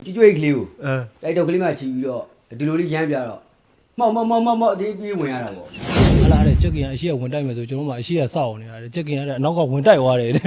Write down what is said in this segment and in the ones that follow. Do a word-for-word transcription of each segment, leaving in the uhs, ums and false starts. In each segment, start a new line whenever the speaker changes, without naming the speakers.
ကျွတ်ကျွတ်ကလေးကိုတိုက်တော့ကလေးမှချီပြီးတော့ဒီလိုလေးရမ်းပြတော့မောက်မောက်မောက်မောက်မောက်ဒီပြေးဝင်ရတာပေါ့
ဟာလားတဲ့ချက်ကင်ကအရှိကဝင်တိုက်မယ်ဆိုကျွန်တော်မှအရှိကစောက်အောင်နေတာချက်ကင်ကလည်းအနောက်ကဝင်တိုက်သွားတယ်တဲ့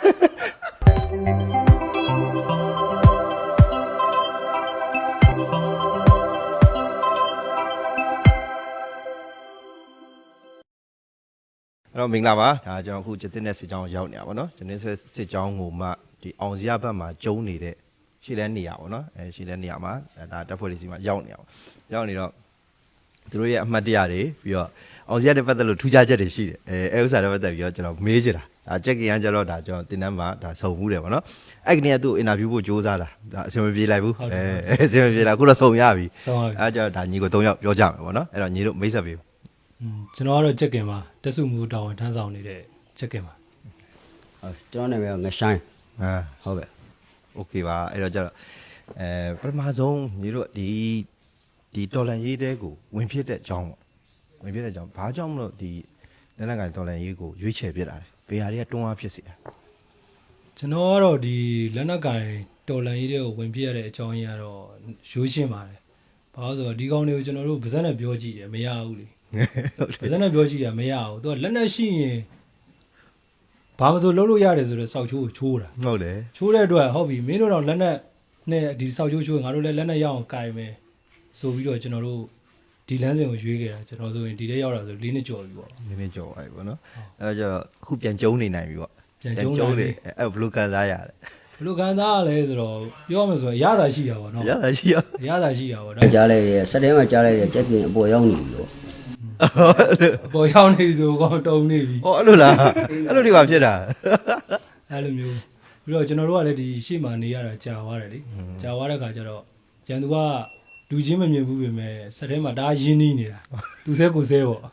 အဲ့တော့မင်္ဂလာပါဒါကျွန်တော်အခုကျတင်တဲ့စစ်ကြောင်းရောက်နေတာပေါ့နော်ကျတင်တဲ့စစ်ကြောင်းကိုမှဒီအောင်စရဘက်မှာကျုံနေတဲ့ရှေ့လဲနေရပါပေါ့နော်အဲရှေ့လဲနေရမှာဒါတပ်ဖွဲ့လေးစီမှာရောက်နေအောင်ရောက်နေတော့သူတို့ရဲ့အမှတ်တရတွေပြီးတော့အောင်စရတဲ့ပတ်သက်လို့ထူးခြားချက်တွေရှိတယ်အဲအဲဥစ္စာတွေပတ်သက်ပြီးတော့ကျွန်တော်မေးချင်တာဒါချက်ကင်ကကျတော့ဒါကျွန်တော်တင်တန်းမှာဒါစုံမှုတယ်ပေါ့နော်အဲ့ကနေကသူ့အင်တာဗျူးဖို့စူးစမ်းတာဒါအဆင်မပြေလိုက်ဘူးအဲအဆင်မပြေလားအခုတော့စုံရပြီအဲကျတော့ဒါညီကို၃ယောက်ပြောကြမယ်ပေါ့နော်အဲ့တော့ညီတို့မိတ်ဆက်ပေး
ကျွန်တော်ကတော့ချက်ကင်မှာတက်စုမှုတောင်းဝန်ထမ်းဆောင်နေတဲ့ချက်ကင်မှာ
ဟုတ်ကျွန်တော်နာမည်ကငဆိုင်
အာ
ဟုတ်ကဲ့
โอเคပါအဲ့တော့ကျတော့အဲပထမဆုံးညီတို့ဒီဒီတော်လန်ရေးတဲကိုဝင်ဖြစ်တဲ့အကြောင်းပေါ့ဝင်ဖြစ်တဲ့အကြောင်းဘာကြောင့်မလို့ဒီလက်နက်ကိုင်တော်လန်ရေးကိုရွေးချယ်ပြတာလဲဘယ်ဟာတွေကတွန်းအားဖြစ်စေတာ
ကျွန်တော်ကတော့ဒီလက်နက်ကင်တော်လန်ရေးတဲကိုဝင်ဖြစ်ရတဲ့အကြောင်းကြီးကတော့ရိုးရှင်းပါတယ်ဘာလို့ဆိုတော့ဒီကောင်တွေကိုကျွန်တော်တို့ဗဇက်နဲ့ပြောကြည့်တယ်မရဘူးလေဗဇက်နဲ့ပြောကြည့်တာမရဘူးသူကလက်နက်ရှိရင်ဘာမှမဆိုလုပ်လို့ရတယ်ဆိုတော့စောက်ချိုးကိုချိုးတာ
ဟုတ်တယ်
ချိုးတဲ့အတွက်ဟုတ်ပြီမင်းတို့တော့လက်နက်နဲ့ဒီစောက်ချိုးချိုးငါတို့လည်းလက်နက်ရအောင်ကင်မယ်ဆိုပြီးတော့ကျွန်တော်တို့ဒီလမ်းစဉ်ကိုရွေးခဲ့တာကျွန်တော်ဆိုရင်ဒီထဲရောက်တာဆို၄နှစ်ကျော်ပြီပေါ့
၄နှစ်ကျော်ပြီပေါ့နော်အဲတော့ကျတော့အခုပြန်ကျုံနေနိုင်ပြီပေါ့
ပြန်ကျုံနေ
အဲ့ဘယ်လိုကန်စားရလဲ
ဘယ်လိုကန်စားရလဲဆိုတော့ပြောရမယ်ဆိုရင်ရတာရှိတာပေါ့နော်
ရတာရှိရ
ရတာရှိတာပေါ့
ဒါကြားလိုက်ရစက်တဲမှာကြားလိုက်ရချက်ကင်အပေါ်ရောက်နေပြီပေါ့
အပေါ်ရောက်နေပြီဆိုတော့တုံနေပြီ
ဟောအဲ့လိုလားအဲ့လိုတွေပါဖြစ်တာ
အဲ့လိုမျိုးပြီးတော့ကျွန်တော်တို့ကလည်းဒီရှေ့မှာနေရတာကြာသွားတယ်လေကြာသွားတဲ့ခါကျတော့ကျန်သူကလူချင်းမမြင်ဘူးပြင်မဲ့စက်ထဲမှာဒါရင်းနှီးနေတာသူစဲကိုစဲပေါ့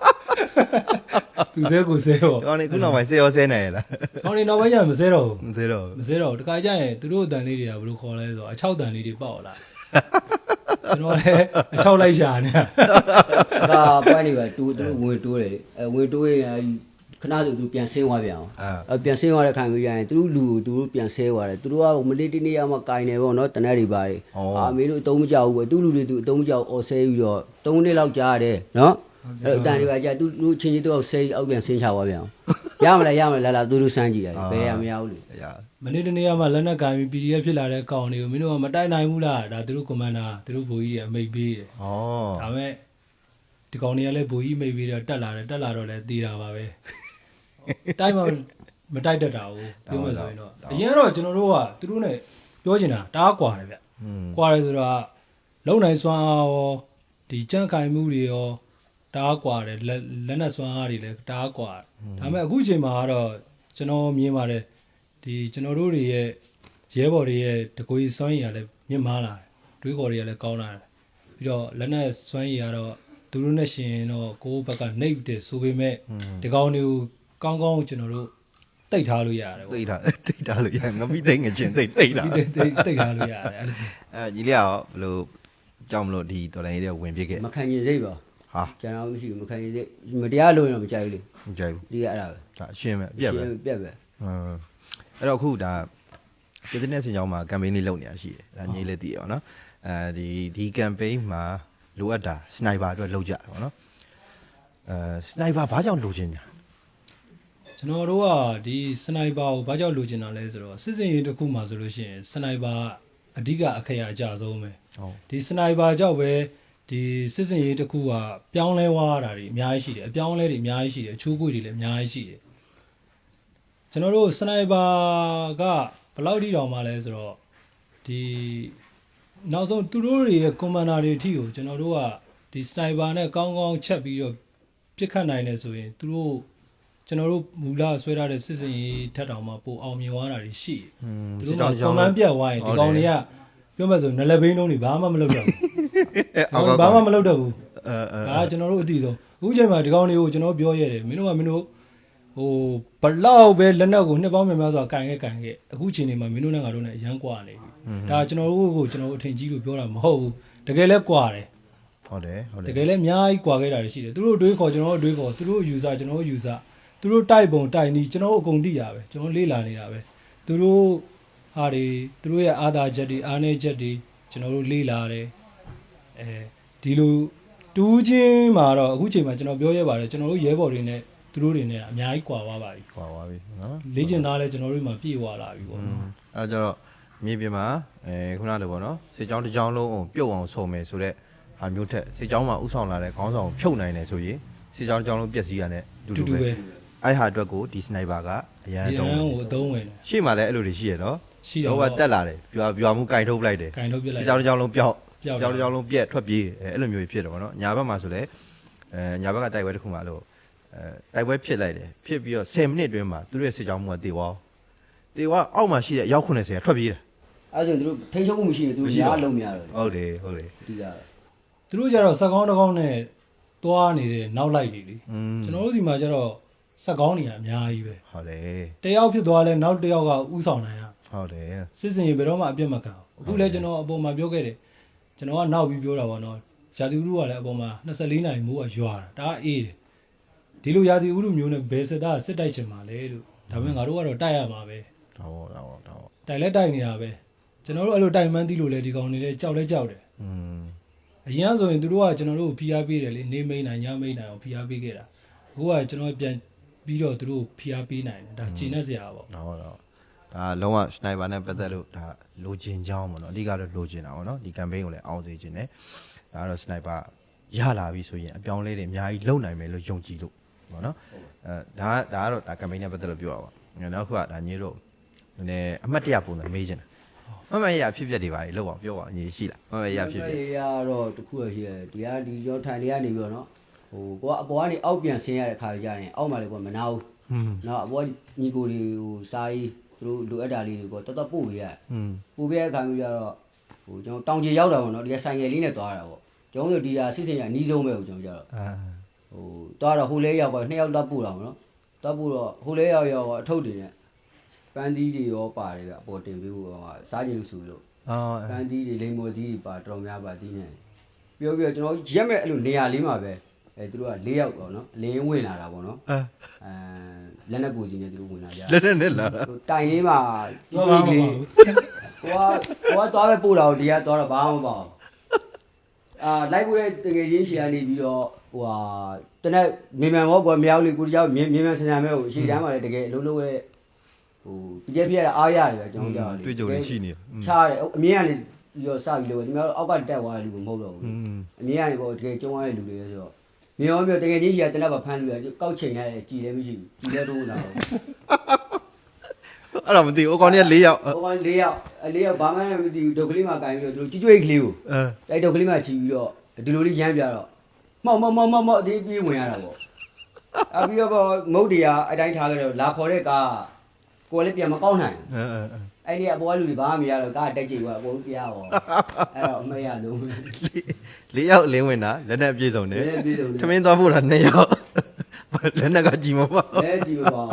သူစဲကိုစဲပေါ့
ကောင်းနေခုနောက်ပိုင်းဆေးရောဆဲနိုင်ရလား
ကောင်းနေနောက်ပိုင်းကျမစဲတော့ဘူး
မစဲတော့
မစဲတော့တခါကျရင်သူတို့အတန်လေးတွေကဘယ်လိုခေါ်လဲဆိုတော့အချောက်တန်လေးတွေပေါက်လာကျွန်တော်လည်းအချောက်လိုက်ရှာနေတာ
ဒါပွဲနေပါတူတူဝင်တိုးတယ်အဲဝင်တိုးရင်ခဏဆိုသူပြန်ဆင်းသွားပြန်အောင်အဲပြန်ဆင်းသွားတဲ့ခံပြီးရရင်သူတို့လူကိုသူတို့ပြန်ဆဲသွားတယ်သူတို့ကမလေးတနေ့ရမှကင်နေပေါ့နော်တနက်တွေပါတယ်အာမေတို့အတုံးမကြောက်ဘူးပဲသူ့လူတွေသူအတုံးမကြောက်အော်ဆဲပြီးတော့၃နှစ်လောက်ကြာရတယ်နော်အဲ့အတန်တွေပါကြာသူတို့ချင်းချင်းတော့ဆဲအောက်ပြန်ဆင်းချသွားပြန်အောင်ရမလားရမလားလာလာသူတို့စမ်းကြည့်ရတယ်ဘယ်ရမရဘူးလေ
မနေ့တနေ့ကမှလက်နက်ကင်ပြီး ပီ ဒီ အက်ဖ် ဖြစ်လာတဲ့ကောင်တွေကိုမင်းတို့ကမတိုက်နိုင်ဘူးလားဒါသူတို့ကွန်မန်ဒါသူတို့ဗိုလ်ကြီးတွေအမိတ်ပေးတယ်
ဩ
ဒါမဲ့ဒီကောင်တွေကလည်းဗိုလ်ကြီးမိတ်ပေးတော့တက်လာတယ်တက်လာတော့လည်းသေးတာပါပဲတိုက်မှမတိုက်တတ်တာဘူးပြောမှဆိုရင်တော့အရင်ကတော့ကျွန်တော်တို့ကသူတို့ ਨੇ ပြောချင်တာတအားกว่าတယ်ဗျกว่าတယ်ဆိုတော့လုံနိုင်စွမ်းအားရောဒီကြန့်ခိုင်မှုတွေရောတအားกว่าတယ်လက်နက်စွမ်းအားတွေလည်းတအားกว่าဒါပေမဲ့အခုချိန်မှာကတော့ကျွန်တော်မြင်ပါတယ်ဒီကျွန်တော်တို့တွေရဲ့ရဲဘော်တွေရဲ့တကွေးစွမ်းရည်ကလည်းမြင့်မားလာတယ်တွေးခေါ်တွေကလည်းကောင်းလာတယ်ပြီးတော့လက်နက်စွမ်းရည်ကတော့သူတို့နဲ့ရှင်တော့ကိုယ့်ဘက်ကနှိပ်တယ်ဆိုပေမဲ့ဒီကောင်တွေကိုကောင်းကောင်းကျွန်တော်တို့တိတ်ထားလို့ရတယ်
ပေါ့တိတ်ထားတိတ်ထားလို့ရငမိသိငချင်းတိတ်တိတ်တာ
တိတ်တိတ်ထားလို့ရတယ်
အဲညီလေးရောဘယ်လိုကြောက်မလို့ဒီတော်လိုင်းလေးဝင်ပြခဲ့
မခံရင်စိတ်ပါ
ဟာ
ကျွန်တော်မရှိဘူးမခံရင်စိတ်မတရားလို့တော့မကြိုက်ဘူးလေ
မကြိုက်ဘူး
ဒီကအဲ့ဒါပဲ
ဒါအရှင်းပဲအပြက်ပဲ
ပြက်ပဲ
ဟမ်အဲ့တော့အခုဒါကျတဲ့နေ့စင်ကြောင်းမှာကမ်ပိန်းလေးလုပ်နေတာရှိတယ်ဒါညီလေးသိရပါတော့အဲဒီဒီကမ်ပိန်းမှာလိုအပ်တာစနိုက်ပါအတွက်လုပ်ကြတယ်ပေါ့နော်အဲစနိုက်ပါဘာကြောင့်လိုချင်ညာ
ကျွန်တော်တို့ကဒီစနိုက်ပါကိုဘာကြောင့်လိုချင်တာလဲဆိုတော့စစ်စင်ရေးတစ်ခုမှဆိုလို့ရှိရင်စနိုက်ပါအဓိကအခရာအကျဆုံးပဲဒီစနိုက်ပါကြောင့်ပဲဒီစစ်စင်ရေးတစ်ခုကပြောင်းလဲသွားတာတွေအများကြီးရှိတယ်အပြောင်းလဲတွေအများကြီးရှိတယ်အချိုးကွေ့တွေလည်းအများကြီးရှိတယ်ကျွန်တော်တို့စနိုက်ပါကဘယ်လောက်ထိတောင်မှလဲဆိုတော့ဒီနောက်ဆုံးသူတို့တွေရဲ့ကွန်မန်ဒါတွေအထိကိုကျွန်တော်တို့ကဒီစနိုက်ပါနဲ့ကောင်းကောင်းချက်ပြီးတော့ပြစ်ခတ်နိုင်တယ်ဆိုရင်သူတို့ကျွန်တော်တို့မူလဆွဲထားတဲ့စစ်စင်ရေးထက်တောင်မှပိုအောင်မြင်သွားတာတွေရှိတယ်။သူတို့ကကွန်မန်ပြတ်သွားရင်ဒီကောင်တွေကပြောမှဆိုနလက်ဘိန်းလုံးတွေဘာမှမလုပ်တော့ဘူး။ဘာမှမလုပ်တော့ဘူး။အဲအဲဒါကျွန်တော်တို့အသိဆုံးအခုချိန်မှာဒီကောင်တွေကိုကျွန်တော်ပြောရတယ်မင်းတို့ကမင်းတို့ဟိုဘလောက်ပဲလက်နက်ကိုနှစ်ပေါင်းများများစွာကန်ခဲ့ကန်ခဲ့အခုချိန်နေမှာမင်းတို့နဲ့ငါတို့နဲ့အရန်ကွာနေပြီ။ဒါကျွန်တော်တို့ကိုကျွန်တော်တို့အထင်ကြီးလို့ပြောတာမဟုတ်ဘူး။တကယ်လဲကွာတယ်
။ဟုတ်တယ်ဟုတ်တယ်
တကယ်လဲအများကြီးကွာခဲ့တာရှိတယ်။သူတို့အတွေးခေါ်ကျွန်တော်တို့အတွေးခေါ်သူတို့ user ကျွန်တော်တို့ userသူတို့တိုက်ပုံတိုက်နီးကျွန်တော်တို့အကုန်သိရပဲကျွန်တော်လေ့လာနေတာပဲသူတို့ဟာတွေသူတို့ရဲ့အာသာချက်တွေအားနည်းချက်တွေကျွန်တော်တို့လေ့လာတယ်အဲဒီလိုတူးချင်းမှာတော့အခုချိန်မှာကျွန်တော်ပြောရပါတယ်ကျွန်တော်တို့ရဲဘော်တွေနဲ့သူတို့တွေနဲ့အများကြီးကွာသွားပါပြီ
ကွာသွားပြီနော်
လေ့ကျင့်သားလဲကျွန်တော်တို့မှာပြည့်ဝလာပြီပေါ့နော်
အဲကြတော့မြေပြင်မှာအဲခုနလိုပေါ့နော်စေချောင်းတစ်ချောင်းလုံးအောင်ပြုတ်အောင်ဆုံမယ်ဆိုတော့ဟာမျိုးထက်စေချောင်းမှာဥဆောင်လာတဲ့ခေါင်းဆောင်ဖြုတ်နိုင်တယ်ဆိုရင်စေချောင်းတစ်ချောင်းလုံးပျက်စီးရတဲ့တူတူပဲအဲ့ဟာအတွက်ကိုဒီစနိုက်ပါကအရန်
ဒီ
တုံး
အန်းကိုအသုံးဝင်တယ်
ရှေ့မှာလည်းအဲ့လိုတွေရှိရနော်
ရှိတော့
တော့တက်လာတယ်ပြွာပြွာမှုကင်ထုတ်ပလိုက်တယ်
ကင်ထုတ်ပြလိုက်
စေချောင်းတစ်ချောင်းလုံးပျောက်စေချောင်းတစ်ချောင်းလုံးပြက်ထွက်ပြေးအဲ့လိုမျိုးဖြစ်တယ်ပေါ့နော်ညာဘက်မှာဆိုလဲအဲညာဘက်ကတိုက်ပွဲတစ်ခုမှလို့အဲတိုက်ပွဲဖြစ်လိုက်တယ်ဖြစ်ပြီးတော့tenမိနစ်အတွင်းမှာသူတို့ရဲ့စေချောင်းမှုကတေသွားတေသွားအောက်မှာရှိတဲ့အယောက်ninetyကထွက်ပြေးတယ်
အဲ့ဆိုသူတို့ထိန်းချုပ်မှုမရှိဘူးသူတို့ရားလုံးမရတော့
ဟုတ်တယ်ဟုတ်တယ်
ဒီက
သူတို့ကြတော့စက်ကောင်းတစ်ကောင်းနဲ့သွားနေတဲ့နောက်လိုက်တွေလေ
อืม
ကျွန်တော်တို့ဒီမှာကျတော့စက်ကောင်းနေရအများကြီးပဲ
ဟုတ်တယ်
တယောက်ဖြစ်သွားလဲနောက်တယောက်ကဥဆောင်နိုင်ရ
ဟုတ်တယ်
စစ်စင်ရေဘယ်တော့မှအပြတ်မခံဘူးအခုလဲကျွန်တော်အပေါ်မှာပြောခဲ့တယ်ကျွန်တော်ကနောက်ပြီးပြောတာပေါ့နော်ရာသီဥတုကလည်းအပေါ်မှာtwenty-fourနာရီမိုးကရွာတာဒါအေးတယ်ဒီလိုရာသီဥတုမျိုးနဲ့ဘယ်စစ်သားစစ်တိုက်ချင်မှာလဲလို့ဒါပေမဲ့ငါတို့ကတော့တိုက်ရမှာပဲ
တော့တော့တော့
တိုက်လဲတိုက်နေတာပဲကျွန်တော်တို့အဲ့လိုတိုက်မှန်းသိလို့လဲဒီကောင်တွေလဲကြောက်လဲကြောက်တယ်
อืม
အရင်ဆိုရင်သူတို့ကကျွန်တော်တို့ဖိအားပေးတယ်လေနေမိန်နိုင်ညမိန်နိုင်အောင်ဖိအားပေးခဲ့တာအခုကကျွန်တော်ပြန်ပြီးတော့သူတို့ဖိအားပေးနိုင်တယ်ဒါကျင်နေစရာပေါ့
တော့တော့ဒါလုံးဝစနိုက်ပါနဲ့ပတ်သက်လို့ဒါလိုချင်ကြောင်းပေါ့နော်အဓိကတော့လိုချင်တာပေါ့နော်ဒီ campaign ကိုလည်းအောင်စေချင်တယ်ဒါကတော့စနိုက်ပါရလာပြီဆိုရင်အပြောင်းလဲတွေအများကြီးလုံနိုင်မယ်လို့ယုံကြည်လို့ပေါ့နော်အဲဒါဒါကတော့ဒါ campaign နဲ့ပတ်သက်လို့ပြောတာပါနောက်တစ်ခုကဒါညီတို့နည်းနည်းအမှတ်တရပုံစံမေးချင်တာမမရဖြစ်ဖြစ်တွေပါလေလောက်ပါပြောပါညီရှိလားမမရဖြစ်ဖြစ်
ရတော့တခုရရှိတယ်ဒီကဒီရောထိုင်နေရနေပြီးတော့နော်ဟိုကိုကအပေါ်ကနေအောက်ပြန်ဆင်းရတဲ့ခါကြရင်အောက်မှာလေကိုမနာဘူး
อืม
နော်အပေါ်ညီကိုတွေဟိုစာရေးသူတို့လိုအပ်တာလေးတွေကိုတော်တော်ပို့ပေးရ
อืม
ပို့ပေးတဲ့အခါမျိုးကြတော့ဟိုကျွန်တော်တောင်ကြီးရောက်တာပေါ့နော်ဒီကဆိုင်ငယ်လေးနဲ့သွားတာပေါ့ကျွန်တော်တို့ဒီဟာစစ်စင်ရအနီးဆုံးပဲကိုကျွန်တော်ကြတော့
အာ
ဟိုသွားတော့ဟိုလဲရောက်ပါနှစ်ယောက်သွားပို့တာပေါ့နော်သွားပို့တော့ဟိုလဲရောက်ရောက်အထုပ်တွေနဲ့ပန်းသီးတွေရောပါတယ်ဗျအပေါ်တင်ပေးဖို့ဟိုစားကြည့်လို့ဆိုလို့
အော်
ပန်းသီးတွေလိမ္မော်သီးတွေပါတော်များပါသီးနေပြောပြီးတော့ကျွန်တော်ရက်မဲ့အဲ့လိုနေရာလေးမှာပဲအဲသူတို့က၄ယောက်ပေါ့နော်အလင်းဝင်လာတာပေါ့နော်
အဲ
အဲလက်နဲ့ကိုကြီးနဲ့သူတို့ဝင်လာကြ
လက်နဲ့နဲ့လာ
တိုင်လေးမှာ
သွားပါမ
လေး
ပါဘူး
ဟိုကဟိုကသွားပဲပို့တာကိုဒီကသွားတော့ဘာမှမပေါ့အာလိုက်ပို့တဲ့တကယ်ချင်းရှီကနေပြီးတော့ဟိုဟာတနက်မြေမှန်ဘောကွာမြောက်လေးကိုတယောက်မြေမြေမှန်ဆန်ဆန်မဲကိုရှီတန်းမှာလည်းတကယ်အလုံးလုံးရဲ့ဟိုပြည့်ပြည့်ရအားရတယ်ပဲကျွန်တော်ကြောက်တယ်
တွေ့ကြုံနေရှိနေ
ချားတယ်အမြင်ကနေပြီးတော့စပြီးလို့ဒီမှာအောက်ကတက်သွားတဲ့လူကမဟုတ်တော့ဘူး
อืม
အမြင်ကနေပေါ့တကယ်ကျုံရတဲ့လူတွေဆိုတော့မြေရောမြေတကယ်ကြီးကြီးကတနက်ပါဖမ်းလို့ရကောက်ချိန်ရတယ်ကြည်လည်းမရှိဘူးကြည်လည်းတော့လာတော့
အဲ့တော့မသိဘူးအကောင်ကြီး၄ယောက်
ဟိုကလေးယောက်အလေးယောက်ဘာမှမသိဘူးဒုတ်ကလေးမှကင်ပြီးတော့သူတို့ကြွကြွေးကလေးကို
အဲ
တိုက်ဒုတ်ကလေးမှချီပြီးတော့ဒီလိုလေးရမ်းပြတော့မောက်မောက်မောက်မောက်မောက်ဒီပြေးဝင်ရတာပေါ့အပြီးတော့မုတ်တရားအတိုင်းထားကြတော့လာခေါ်တဲ့ကားကိုယ်လည်းပြန်မကောက်နိုင်
အဲအဲ
အဲ့ဒီအပေါ်ကလူတွေဘာမှမရတော့ကားတက်ကြည့်သွားအကုန်ပြားပေါ့အဲ့တော့အမေရလုံး
၄ယောက်လင်းဝင်တာလက်နဲ့ပြေဆုံးတယ်
လည်းပြေးတော့
ထမင်းသွားဖို့တာ၂ယောက်လက်နဲ့ကကြည်မပေါ့
လည်းကြည့်မပေါ့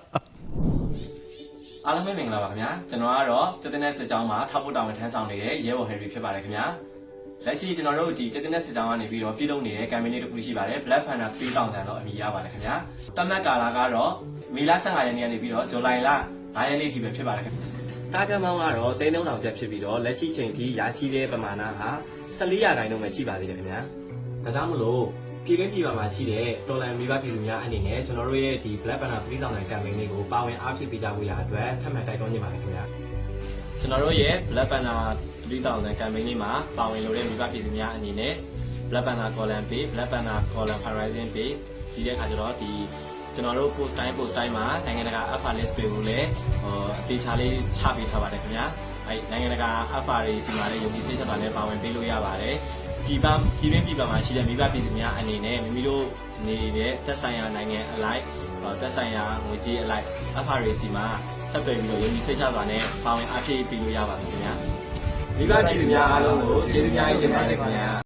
အားလုံးပဲမင်္ဂလာပါခင်ဗျာကျွန်တော်ကတော့တက်တဲ့စစ်ကြောင်းမှာထောက်ဖို့တာဝန်ထမ်းဆောင်နေတဲ့ရဲဘော်ဟယ်ရီဖြစ်ပါတယ်ခင်ဗျာလက်ရှိကျွန်တော်တို့ဒီတက်တဲ့စစ်ကြောင်းကနေပြီးတော့ပြည်လုံးနေတဲ့ campaign လေးတစ်ခုရှိပါတယ် Black Panther three thousand တော့အမည်ရပါတယ်ခင်ဗျာတမတ်ကာလာကတော့မေလfifteenရက်နေ့ကနေပြီးတော့ဇူလိုင်လnineရက်နေ့ထိပဲဖြစ်ပါတယ်ခင်ဗျာတာဂက်မောင်းကတော့three thousandကျပ်ဖြစ်ပြီးတော့လက်ရှိချိန်ထိရရှိတဲ့ပမာဏဟာfourteenရာခိုင်နှုန်းပဲရှိပါသေးတယ်ခင်ဗျာဒါကြောင့်မလို့ပြည်တွင်းပြည်ပမှာရှိတဲ့တော်လန်မိဘပြည်သူများအနေနဲ့ကျွန်တော်တို့ရဲ့ဒီ Black Panther three thousand campaign လေးကိုပါဝင်အားဖြည့်ပေးကြဖို့ရအတွက်ထပ်မံတိုက်တွန်းနေပါတယ်ခင်ဗျာကျွန်တော်တို့ရဲ့ Black Panther three thousand campaign လေးမှာပါဝင်လို့တဲ့မိဘပြည်သူများအနေနဲ့ Black Panther column page Black Panther column horizon page ဒီတဲ့အခါကျတော့ဒီကျွန်တော်တို့ post time post time မှာနိုင်ငံတကာ alpha list တွေကိုလည်းဟိုအသေးချာလေးချပေးထားပါတယ်ခင်ဗျာအဲနိုင်ငံတကာ alpha တွေစီမှာလည်းယုံကြည်စိတ်ချတာနဲ့ပါဝင်ပေးလို့ရပါတယ်ပြည်ပပြည်တွင်းပြည်ပမှာရှိတဲ့မိဘပြည်သူများအနေနဲ့မိမိတို့နေတဲ့သက်ဆိုင်ရာနိုင်ငံအလိုက်သက်ဆိုင်ရာငွေကြေးအလိုက်အဖာတွေစီမှာဆက်သွယ်ပြီးတော့ယုံကြည်စိတ်ချစွာနဲ့ပါဝင်အားဖြည့်ပေးလို့ရပါတယ်ခင်ဗျာမိဘပြည်သူများအားလုံးကိုကျေးဇူးများကြီးတင်ပါတယ်ခင်ဗျာ